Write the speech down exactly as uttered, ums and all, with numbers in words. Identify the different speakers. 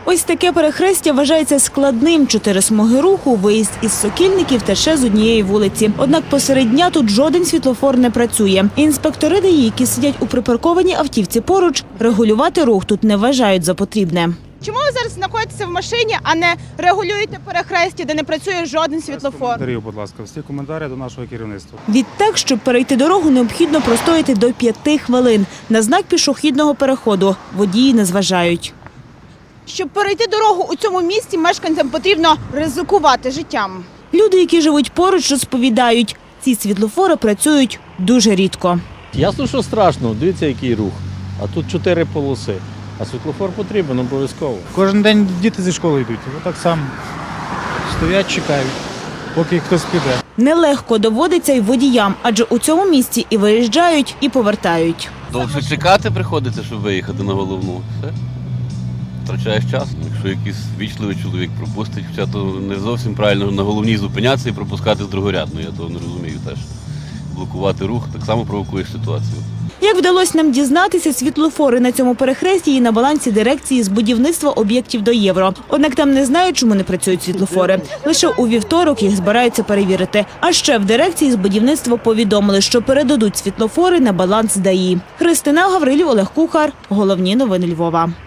Speaker 1: Ось таке перехрестя вважається складним. Чотири смуги руху, виїзд із Сокільників тече з однієї вулиці. Однак посеред дня тут жоден світлофор не працює. Інспектори ДАІ, які сидять у припаркованій автівці поруч, регулювати рух тут не вважають за потрібне.
Speaker 2: Чому ви зараз знаходитеся в машині, а не регулюєте перехрестя, де не працює жоден світлофор?
Speaker 3: Коментарів, будь ласка, всі коментарі до нашого керівництва.
Speaker 1: Відтак, щоб перейти дорогу, необхідно простояти до п'яти хвилин. На знак пішохідного переходу водії не зважають.
Speaker 2: Щоб перейти дорогу у цьому місці, мешканцям потрібно ризикувати життям.
Speaker 1: Люди, які живуть поруч, розповідають, ці світлофори працюють дуже рідко.
Speaker 4: Ясно, що страшно, дивіться, який рух. А тут чотири полоси. А світлофор потрібен обов'язково.
Speaker 3: Кожен день діти зі школи йдуть. Так само стоять, чекають, поки хтось піде.
Speaker 1: Нелегко доводиться й водіям, адже у цьому місці і виїжджають, і повертають.
Speaker 5: Довше чекати приходиться, щоб виїхати на головну. Все. Втрачаєш час. Якщо якийсь вічливий чоловік пропустить, хоча то не зовсім правильно на головній зупинятися і пропускати з другорядної. Я того не розумію теж. Блокувати рух так само провокуєш ситуацію.
Speaker 1: Як вдалося нам дізнатися, світлофори на цьому перехресті є на балансі дирекції з будівництва об'єктів до євро. Однак там не знають, чому не працюють світлофори. Лише у вівторок їх збираються перевірити. А ще в дирекції з будівництва повідомили, що передадуть світлофори на баланс ДАІ. Христина Гаврилів, Олег Кухар. Головні новини Львова.